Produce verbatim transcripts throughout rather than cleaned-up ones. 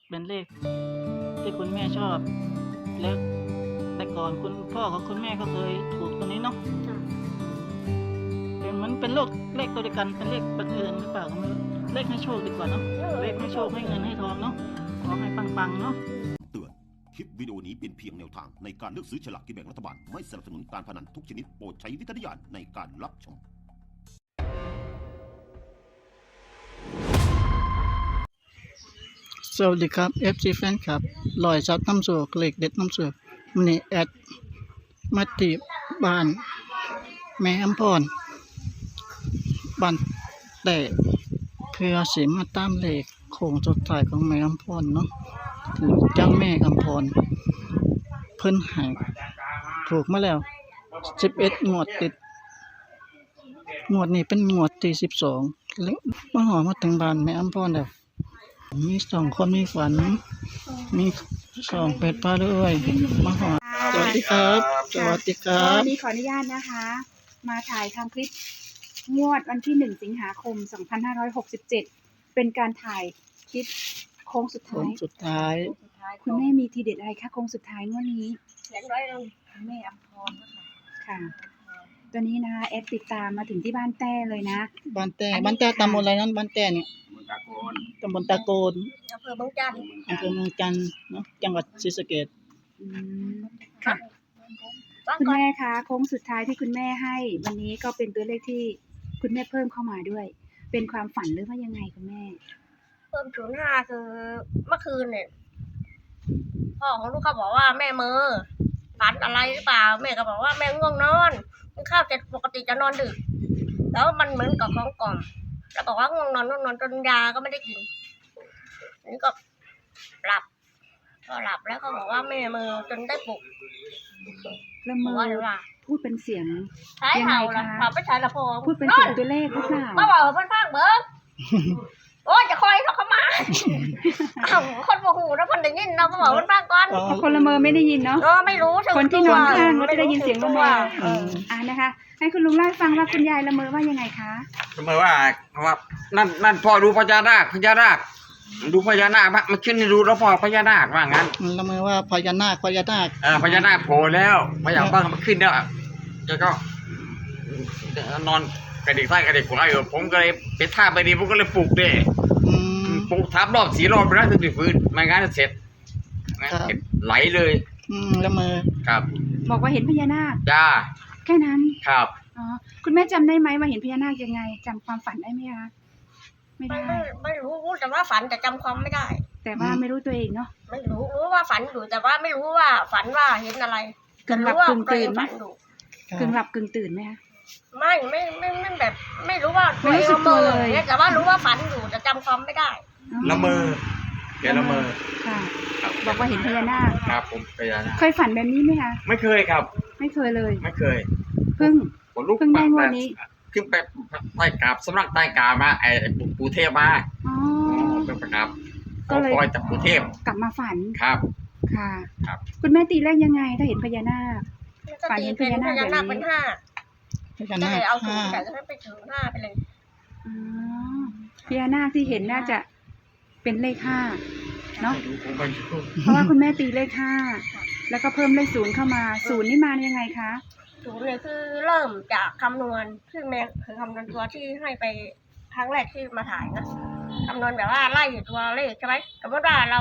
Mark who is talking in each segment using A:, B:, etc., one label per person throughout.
A: เป็นเลขที่คุณแม่ชอบแล้วแต่ก่อนคุณพ่อกับคุณแม่ก็เคยถูกตัวนี้เนาะเป็นมันเป็นโรคเลขตัวเดียวกันเป็นเลขบังเอิญหรือเปล่าก็ไม่รู้เลขให้โชคดีกว่าเนาะเลขให้โชคให้เงินให้ทองเนาะขอให้ปังๆเนาะ
B: เตือนคลิปวิดีโอนี้เป็นเพียงแนวทางในการเลือกซื้อฉลากกินแบ่งรัฐบาลไม่สนับสนุนการพนันทุกชนิดโปรดใช้วิจารณญาณในการรับชม
A: สวัสดีครับ เอฟ ซี แฟนคลับลอยซับน้ำโศกเหล็กเด็ดน้ำโศกมันนี่แอดมาติบ้านแม่อำพรบ้านแต่เพื่อสิมาตามเลขโค้งสุดท้ายของแม่อำพรเนาะถึงเจ้าแม่อำพรเพิ่นให้ถูกมาแล้วสิบเอ็ดงวดติดงวดนี้เป็นงวดที่สิบสองแล้วมาหอมาถึงบ้านแม่อำพรแล้วมีสองคนมีฝันมีสองเป็ดปลาด้วยมาหอสวัสดีครับสวัสดีครับ
C: วันนี้ขออนุญาตนะคะ มาถ่ายทำคลิปงวดวันที่หนึ่งสิงหาคมสองพันห้าร้อยหกสิบเจ็ดเป็นการถ่ายคลิปโค้งสุด
A: โค้
C: ท้าง ย
A: สุดท้าย
C: คุณแม่มีทีเด็ดอะไรคะโค้งสุดท้ายงวดนี้
D: เสียงร้อยเราแม่อำพรนะคะ
C: ค่ะตัวนี้นะคะแอดติดตามมาถึงที่บ้านแต้เลยนะ
A: บ้านแต่บ้านแต่ตำบลอะไรนั้นบ้านแต่เนี่ยตำบลตะโกน
D: อำเภอเมืองจันทร์
A: อำเภอเมืองจันทร์เนาะจังหวัดศรีสะเกษ
C: อืมค่ะคุณแม่คะโค้งสุดท้ายที่คุณแม่ให้ วันนี้ก็เป็นตัวเลขที่คุณแม่เพิ่มเข้ามาด้วย เป็นความฝันหรือว่ายังไงคุณแม่
D: เพิ่มศูนย์ห้าคือเมื่อคืนเนี่ยพ่อของลูกเขาบอกว่าแม่เมอฝันอะไรหรือเปล่าแม่ก็บอกว่าแม่ง่วงนอนกินข้าวเสร็จปกติจะนอนดึกแล้วมันเหมือนกับของกล่อมแล้วบอกว่าง่วงนอนง่วงนอนจนยาก็ไม่ได้กินนี่ก็หลับก็หลับแล้วเขาบอกว่าแม่เมอจนได้ปลุก
C: ละ
D: บ
C: เม
D: อก
C: อ
D: ว่าเลยว่า
C: พูดเป็นเสียง
D: ใช้เห่าละเห่าไปใช้ละพอ
C: พูดเป็นเสียงตัวเลขหรือเปล่า
D: มาบอกเพื่อนฟังเบิ้งโอ้ยจะคอยเขาเข้ามาอ้าวคนโมโหแล้วคนได้ยินเราก็บอกเพื่อนฟังก่อน
C: เพราะคนละเมอไม่ได้ยินเนาะ
D: เออไม่รู้ถึง
C: คนที่นอนข้างก็จะได้ยินเสียงละเมอ
D: เออ
C: อ่านะคะ ให้คุณลุงเล่าให้ฟังว่าคุณยายละเมอว่ายังไงคะ
E: ทำไมว่าว่านั่นนั่นพ่อดูพญานาคพญานาคดูพญานาคมันขึ้นดูแล้วพ่อพญานาคว่างั้น
A: ละเมอว่าพญานาคพญานาค
E: เออพญานาคโผล่แล้วพญาบ้างมันขึ้นแล้วแล้วก็นอนกระดิกซ้ายกระดิกขวาอยู่ผมก็เลยไปท่าไปดีผมก็เลยปลุกเด้
A: อืม
E: ปลุกทับรอบสีรอบไปแล้วถึงจะฟื้นไม่งั้นจะเสร็จงั้นไหลเลย
A: อืมละเมอ
E: ครับ
C: บอกว่าเห็นพญานาค
E: จ้า
C: แค่นั้น
E: ครับ
C: อ๋อคุณแม่จำได้ไหมว่าเห็นพญานาคยังไงจำความฝันได้ไหมคะไม่
D: ไม่
C: ได้
D: ไม่ไม่รู้รู้แต่ว่าฝันแต่จำความไม่ได้
C: แต่ว่าไม่รู้ตัวเองเนาะ
D: ไม่รู้รู้ว่าฝันอยู่แต่ว่าไม่รู้ว่าฝันว่าเห็นอะไร
C: กึ่งหลับ
D: รู้ว่าก
C: ึ่งตื่น
D: ตัวเองฝันอยู่
C: กึ่งหลับกึ่งตื่นไหมคะ
D: ไม่ไม่ไม่ไม่แบบ ไม่รู้ว่า
C: ไม่รู้สึกตัวเลย
D: นี่แต่ว่ารู้ว่าฝันอยู่แต่จำความไม่ได้
E: ละเมอแกละเมอ
C: ค่ะ
E: ครับ
C: บอกว่าเห็นพญานาค
E: ครับผมพญานาค
C: เคยฝันแบบนี้ไหมคะ
E: ไม่เคยครับ
C: ไม่เคยเลย
E: ไม่เคย
C: เพิ่ง
E: ผมลุก
C: เพิ่งได้งวดนี้
E: ขึ้นไปใต้กราบสำนักใต้กามาไอ้ปู่เทพมา
C: อ๋อ
E: เป็นประกับ
C: ก็เลย
E: คอยจากปู่เทพ
C: กลับมาฝัน
E: ครับ
C: ค่ะ
E: ครับ
C: คุณแม่ตีเลขยังไงถ้าเห็นพญานาค
D: ก็
C: ฝัน
D: ตี
C: เห็น
D: เป็น
C: พญานาค
D: พญานาค
C: แบบนี้
D: เป็นห้า
A: พญา
D: ก็
A: นา
D: เล
A: ค
D: ยเอาศู
A: ห้าน
D: ย์แต่ก็ให้ไปถึงห้าไปเลย
C: อ๋อพญานาคที่เห็นน่าจะเป็นเลขห้าเนาะ
E: ผมไม่รู้
C: เพราะว่าคุณแม่ตีเลขห้าแล้วก็เพิ่มเลขศูนย์เข้ามาศูนย์นี่มายังไงคะ
D: ศูนย์เนี่ยคือเริ่มจากคำนวณซึ่งแม่คือคำนวณตัวที่ให้ไปครั้งแรกที่มาถ่ายนะคำนวณแบบว่าไล่ตัวเลขใช่ไหมสมมติว่าเรา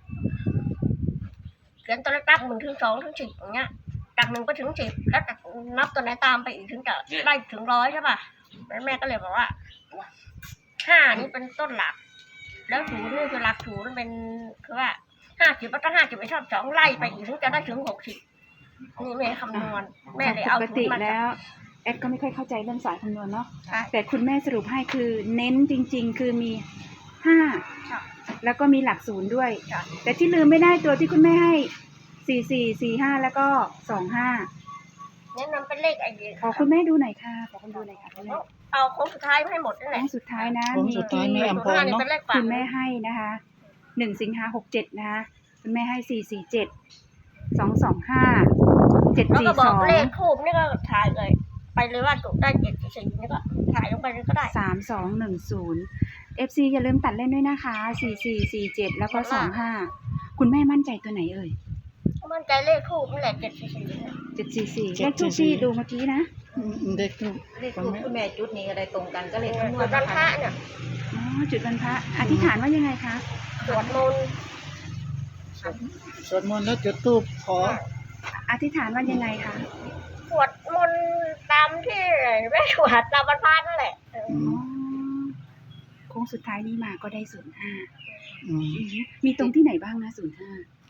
D: เขียนตัวเลขตั้งหนึ่งถึงสองถึงสิบอย่างเงี้ยจากหนึ่งไปถึงสิบแล้วจากนับตัวไหนตามไปอีกถึงจะไล่ถึงร้อยใช่ป่ะแล้วแม่ก็เลยบอกว่าห้านี่เป็นต้นหลัก แล้วศูนย์นี่คือหลักศูนย์เป็นคือว่าห้าสิบแล้วก็ห้าสิบไปชอบสองไล่ไปอีกถึงจะได้ถึงหกสิบนี่แม่คำนวณแม่เลยเอา
C: ปก
D: ศู
C: ติ
D: นย์มา
C: แล้วแอดก็ไม่ค่อยเข้าใจเรื่องสายคำนวณเนาะ
D: ใช่
C: แต่คุณแม่สรุปให้คือเน้นจริง ๆ คือมีห้า
D: ใช่
C: แล้วก็มีหลักศูนย์ด้วย
D: ใช่
C: แต่ที่ลืมไม่ได้ตัวที่คุณแม่ให้สี่สี่สี่ห้าแล้วก็สองห้า
D: เนี่ยนำเป็นเลขไอเดีย
C: ขอคุณแม่ดูหน่อยค่ะขอคุณดูหน่อยค่ะคุณแม่
D: เอาโค้งสุดท้ายให้หมดนั่นแห
C: ค
D: ละ
C: รั้งสุดท้ายนะ
A: โค้งสุดท้ายแม่อำพร
D: ห้านี่
A: เนาะ
D: เป็นเลขฝัน
C: คุณแม่ให้นะคะหนึ่งสิงหาหกเจ็ดนะคะคุณแม่ให้สี่สี่เจ็ดสองสองห้าเจ็ด
D: แล้ว
C: สี่
D: ก็บ
C: ส
D: อก
C: อง
D: เลขทูบนี่ก็ถ่ายเลย ไปเลยว่าจุดได้เจ็ดสี่นี่ก็ถ่ายลงไปเลยก็ได้
C: สามสองหนึ่งศูนย์เอฟซีอย่าลืมตัดเล่นด้วยนะคะสี่สี่สี่เจ็ดแล้วก็สองห้าคุณแม่มั่นใจตัวไหนเอ่ย
D: มั่นใจเลขทูบนี่แหละเจ็ดสี่สี่
C: เจ็ดสี่สี่เลขทูปที่ดูเมื่อกี้นะ
A: อืมเด็กลูก
F: เลขทูปคุณแม่จุดนี้อะไรตรงกันก็เลขคำนว
D: จุ
F: ณ
D: ดวัน
F: นะ
D: พระ
F: คะ
D: เนี่ย
C: อ๋อจุดวันพระอธิษฐานว่ายังไงคะ
D: สวดมนต์
A: สวดมนต์แล้วจุดธูปขอ
C: อธิษฐานว่ายังไงคะ
D: สวดมนต์ตามที่แม่สวดตามวันพระนั่นแหละเออ
A: อื
C: อ๋อ
A: ม
C: โค้งสุดท้ายนี้มาก็ได้ศูนย์ห้า
A: อืม
C: มีตรงที่ไหนบ้างนะศูนย์ห้า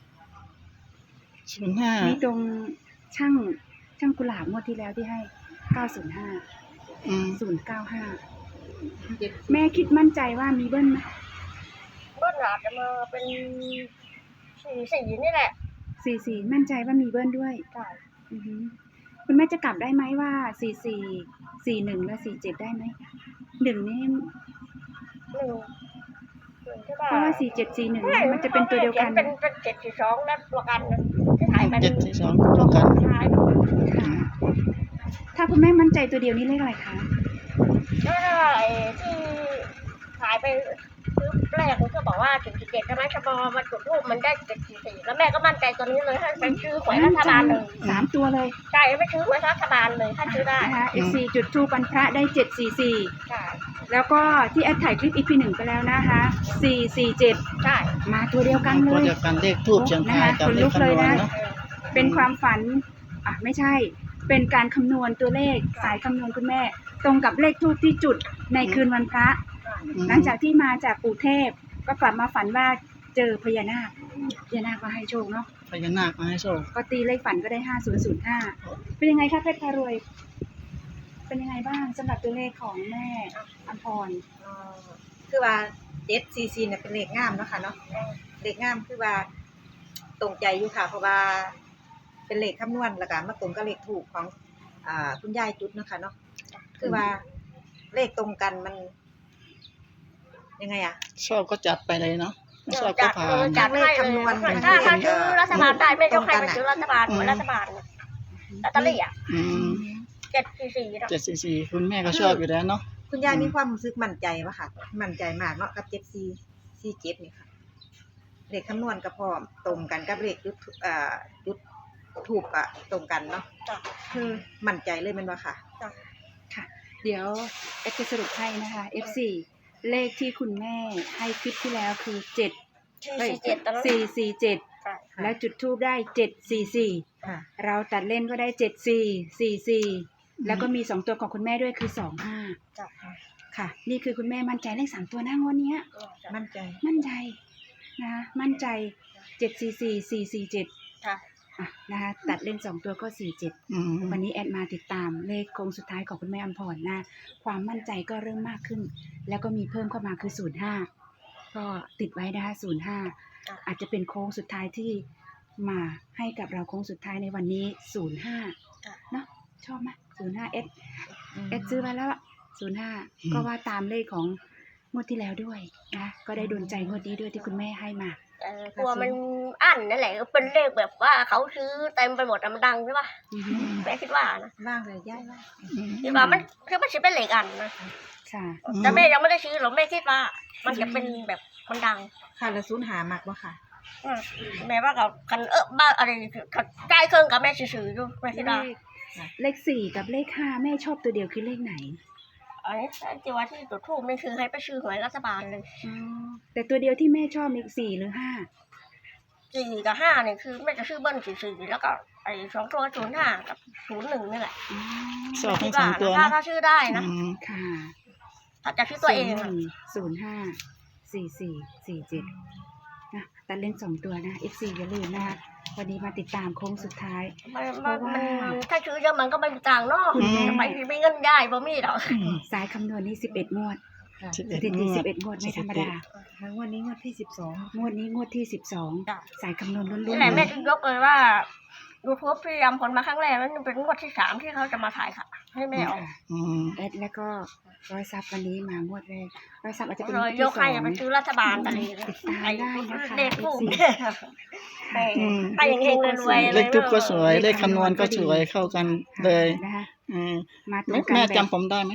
A: ศูนย์ห้า
C: มีตรงช่างช่างกุหลาบงวดที่แล้วที่ให้เก้าศูนย์ห้า
A: อืม
C: ศูนย์เก้าห้าแม่คิดมั่นใจว่ามีเบิ้ลไหม
D: เบิ้ลอาจจะมาเป็นสี่สี่นี่แหละ
C: สี่สี่มั่นใจว่ามีเบิ้ลด้วย
D: ใช่
C: อือฮึคุณแม่จะกลับได้ไหมว่าสี่สี่สี่หนึ่งและสี่เจ็ดได้ไหมหนึ่งนี่
D: หนึ่งหนึ่งใช่
C: เพ
D: ป่ะ
C: ราะว่าสี่เจ็ดสี่หนึ่งมันจะเป็นตัวเดียวกัน
D: เป็นเป็นเจ็ดสี่สองแล้วตัวกันนะที่ถ่ายไป
A: เจ็ดสี่สองตัวกัน
D: ถ่าย
C: ค่ะ ถ้าคุณแม่มั่นใจตัวเดียวนี้เลขอะไรคะ
D: แล้วไอ้ที่ถ่ายไปซื้อแรกผมก็บอกว่าเจ็ดสี่เจ็ดใช่ไหมชบอมาจุดรูปมันได้เจ็ดสี่สี่แล้วแม่ก็มั่นใจตัวนี้เลยให้ไปซื้อหวยรัฐบาลเลย
C: สามตัวเลย
D: ใช่ไม่ซื้อหวยรัฐบาลเลยถ้าซื้อได้
C: นะคะ เอฟ ซี จุดทูปวันพระได้เจ็ดสี่สี่
D: ใช่
C: แล้วก็ที่แอดถ่ายคลิปอีพีหนึ่งไปแล้วนะคะสี่สี่เจ็ด
D: ใช่
C: มาตัวเดียวกันเล
A: ตัวย เดียวกันเลขทูบเชียงรายกับเลขคำนวณเนาะ
D: เออ
C: เป็นความฝัน อ่ะไม่ใช่ เป็นการคำนวณตัวเลขสายคำนวณคุณแม่ ตรงกับเลขทูปที่จุดในคืนวันพระ
A: อืม
C: หลังจากที่มาจากปู่เทพ ก็กลับมาฝันว่าเจอพญานาคพญานาคมาให้โชคเนาะ
A: พญานาคมาให้โชค
C: ก็ตีเลขฝันก็ได้ห้าศูนย์ศูนย์ห้าเป็นยังไงคะเพชรพารวย เป็นยังไงบ้างสำหรับตัวเลขของแม่อัมพร
F: อ๋อคือว่าเจ็ดซีซีเนี่ยเป็นเลขงามเนาะค่ะเนาะเลขงามคือว่าตรงใจอยู่ค่ะ เพราะว่าเป็นเลขคำนวณแล้วก็มาตรงกับเลขถูกของอ่าคุณยายจุดเนาะค่ะเนาะคือว่าเลขตรงกันมัน ยังไงอะ
A: ชอบก็จัดไปเลยเนาะไม่ชอบก็
D: จัด
A: ผ่า
D: เออน จัดให้เลยถ้าถ้าซื้อรัฐบาลได้แม่ยกให้ไปซื้อรัฐบาลหวยรัฐบาลเนี่ยลอตเตอรี่อ่ะ
A: อืม
D: เจ็ดสี่สี่
A: เจ็ดสี่สี่คุณแม่ก็ชอบอยู่แล้วเนาะ
F: คุณยายมีความรู้สึกมั่นใจปะค่ะ มั่นใจมากเนาะกับเจ็ดซีซีเจ็ดนี่ค่ะเลขคำนวณกับพร้อมตรงกันกับเลขจุดอ่าจุดถูกอะตรงกันเนาะ
D: จ้ะ
F: คือมั่นใจเลยแมันว่าค่ะ
D: จ้ะ
C: ค่ะ เดี๋ยวเอ็กซ์จะสรุปให้นะคะ เอฟ ซี เลขที่คุณแม่ให้คลิปที่แล้วคือเจ็ด
D: สี่สี่เจ็ดตอนนั้น
C: สี่สี่เจ็ด
D: ใช่
C: และจุดทูบได้เจ็ดสี่สี่
F: ค่ะ
C: เราตัดเล่นก็ได้เจ็ดสี่สี่สี่แล้วก็มีสองตัวของคุณแม่ด้วยคือสองห้า
D: จ้ะ
C: ค่ะ นี่คือคุณแม่มั่นใจเลขสามตัวหน้างวดเนี้ย
F: มั่นใจ
C: มั่นใจนะคะมั่นใจเจ็ดสี่สี่สี่สี่เจ็ด
D: ค่ะ
C: อ่ะนะคะตัดเล่นสองตัวก็สี่เจ็ด
A: อืม
C: วันนี้แอดมาติดตามเลขโค้งสุดท้ายของคุณแม่อัมพรนะความมั่นใจก็เริ่มมากขึ้น แล้วก็มีเพิ่มเข้ามาคือศูนย์ห้าก็ติดไว้นะคะศูนย์ห้าอาจจะเป็นโค้งสุดท้ายที่มาให้กับเราโค้งสุดท้ายในวันนี้ศูนย์ห้าเนาะชอบไหมศูนย์ห้าเอสเอสซื้อไว้แล้วศูนย์ห้าก็ว่าตามเลขของงวดที่แล้วด้วยนะก็ได้โดนใจงวดนี้ด้วยที่คุณแม่ให้มา
D: เออกลัวมันอั้นนั่นแหละเป็นเลขแบบว่าเขาซื้อเต็มไปหมดอะมันดังใช่ป่ะ
C: อือฮึ
D: แม่คิดว่านะ
F: ว่างเลยย้ายว่าง
D: คิดว่ามันคือมันจะเป็นเลขอันนะ
C: ค่ะ
D: แต่แม่ยังไม่ได้ซื้อหรอกแม่คิดว่า มันจะเป็นแบบมันดัง
F: ค่ะแล้วศูนย์หามักบ่ค่ะ
D: อืมแม่ว่ากับคันเออบ้าอะไรกับใจเครื่องกับแม่ซื้อๆอยู่แม่คิดว่า
C: เลขเลขสี่กับเลขห้าแม่ชอบตัวเดียวคือเลขไหน
D: อันนี้ที่ว่าที่จุดทูบไม่คือให้ไปซื้อหวยรัฐบาลเลย
C: อ๋อแต่ตัวเดียวที่แม่ชอบมีสี่หรือห้า
D: สี่กับห้าเนี่ยคือแม่จะซื้อเบิ้ลสี่ๆแล้วก็ไอ้สองตัวศูนย์ห้ากับศูนย์หนึ่งนี่แหละ
C: อ๋อ
A: ชอบทั้งสองตัว
D: ถ้า
A: เนาะ
D: ถ้าซื้อได้นะ
A: อืม
C: ค่ะ
D: ถ้าจะซื้อตัวเอง
C: ศูนย์ห
D: อะ
C: นึ่งศูนย์ห้าสี่สี่สี่เจ็ดนะตัดเล่นสองตัวนะ เอฟ ซี อย่าลืมนะคะวันนี้มาติดตามโค้งสุดท้าย
D: มันมันมันถ้าซื้อเยอะมันก็ไม่มีตังค์เนาะ
C: คุณแม่
D: ทำไมไม่เงินได้บ่มีหรอก
A: อืม
C: สายคำนวณนี่สิบเอ็ดงวด
F: ค่ะ
A: สิบ
C: ส
A: เอ็ด
C: ถิ
A: ง
C: ติ
A: ว
C: สิ
A: ด
C: บเอ็ดงวดไม่ธรรมดา
F: ทั้งวันนี้งวดที่สิบสอง
C: งวดนี้งวดที่สิบสอง
D: จ้ะ
C: สายคำนวณล้
D: นี่
C: วน
D: แหละแม่จึงยกเลยว่ายูทูบพยายามผลมาครั้งแรกแล้วเป็นงวดที่สามที่เขาจะมาถ่ายค่ะ ให้แม่ออก
A: อืม
C: เอสแล้วก็ร้อยซับวันนี้มางวดแรกร้อยซับอาจจะเป็น
D: เล
C: งวย ด
D: ย
C: ที่
D: ก
C: สอ
D: ให้
C: ง
D: ไปซื้อรัฐบาลอะไร
C: ติดตามได้นะคะ
D: เลขทูบ
C: เอฟซี
D: แม่
A: อืม
D: ให้ยังเฮงๆรวยๆ
A: เลขทูบก็สวย เลขคำนวณก็สวยเข้ากันเลย
C: นะคะ
A: อืม
C: มาตร
A: แม่
C: งกัน
A: แม่
C: แบบ
A: จำผมได้ไหม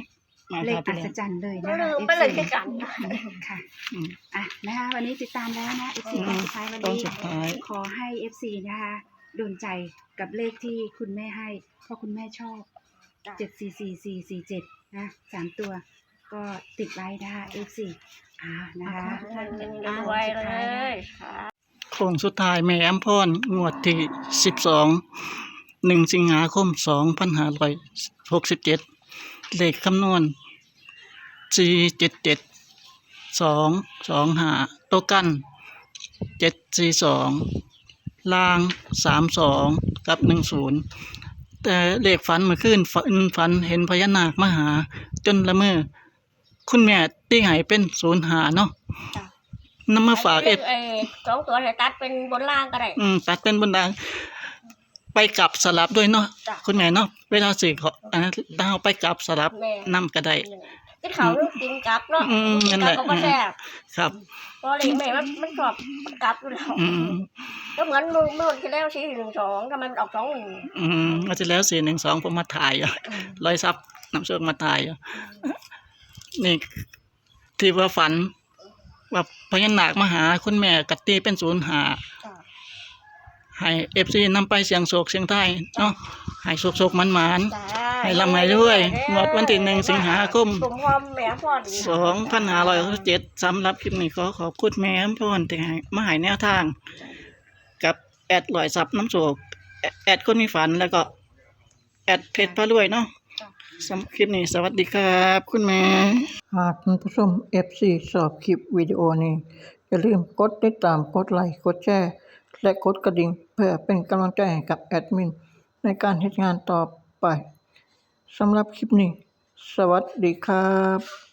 A: มา
C: เล
A: ค
C: ข
A: รับ
C: อั
A: พี่
C: ศ
A: น้อง
C: จรรย์เลย
D: ก็
C: นะคะ
D: ลืมไปเลย
C: เอฟ
D: ที่
C: ซี
D: กัน
C: ค่ะ
A: อืม
C: อ่ะนะคะวันนี้ติดตามแล้วนะเอฟซี
A: อืม
C: สุดท้ายวัน
A: ตอน
C: นี้
A: สุดท้าย
C: ขอให้เอฟซีนะคะโดนใจกับเลขที่คุณแม่ให้เพราะคุณแม่ชอบเจ็ดสี่สี่สี่สี่เจ็ดนะสามตัว ก็ติดไว้นะคะเอฟซีอ่านะคะ
D: ไว้เลย
A: โค้งสุดท้ายแม่อำพรงวดที่สิบสองหนึ่งสิงหาคมสองพันห้าร้อยหกสิบเจ็ดเลขคำนวณสี่เจ็ดเจ็ดสองสองห้าตัวกันเจ็ดสี่สองล่างสามสองกับหนึ่งศูนย์แต่เลขฝันเมื่อคืนฝันฝันเห็นพญานาคมาหา จนละเมอคุณแม่ตีให้เป็นศูนย์หาเนาะ
D: จ้ะ
A: นำมาฝากเอฟ
D: ไอ้สองตัวให้ตัดเป็นบนล่างก็ได้
A: อืมตัดเป็นบนดางไปกลับสลับด้วยเนาะ
D: จ้ะ
A: คุณแม่เนาะเวลาสื่อเขาอันนั้นถ้าเอาไปกลับสลับ
D: แม่
A: นํก็ได้
D: กินเขาวกินกลับเนาะ
A: อืมนั่
D: กิน
A: น
D: ก
A: แห
D: ลับ
A: ละ
D: ก็บ่แซ่บ
A: ครับ
D: เพราะเลยแม่มันมันชอบกลับอยู่แล้ว
A: อืม
D: ก็เหมือนมือมือที่แล้วสี่หนึ่งสองทำไมมันออกสองหนึ่ง
A: อืมมาที่แล้วสี่หนึ่งสองผมมาถ่ายอ่ะร้อยซับน้ำเชือกมาถ่ายอ่ะนี่ที่ว่าฝัน ว่าพญานาคมาหาคุณแม่กัตตีเป็นศูนย์หา
D: จ้ะ
A: ให้เอฟซีนำไปเสียงโศกเสียงไทยเนาะให้โศกโศกมันมัน
D: จ้า
A: ให้ร่ำให้รวยงวดวันที่หนึ่งสิงหาคม
D: สมพรแม่พ่อดี
A: สองพันห้าร้อยเจ็ดสำหรับคลิปนี้ขอขอบคุณแม่อำพรที่ให้มาให้แนวทาง กับแอดลอยซับน้ำโศกแอดแอดคนมีฝันแล้วก็ แอดเพจพระรวยเนาะสำหรับคลิปนี้สวัสดีครับ คุณแม่หากท่านผู้ชม เอฟ ซี ชอบคลิปวิดีโอนี้ อย่าลืมกดติดตามกดไลค์กดแชร์และกดกระดิ่งเพื่อเป็นกำลังใจให้กับแอดมิน ในการทำงานต่อไปสำหรับคลิปนี้ สวัสดีครับ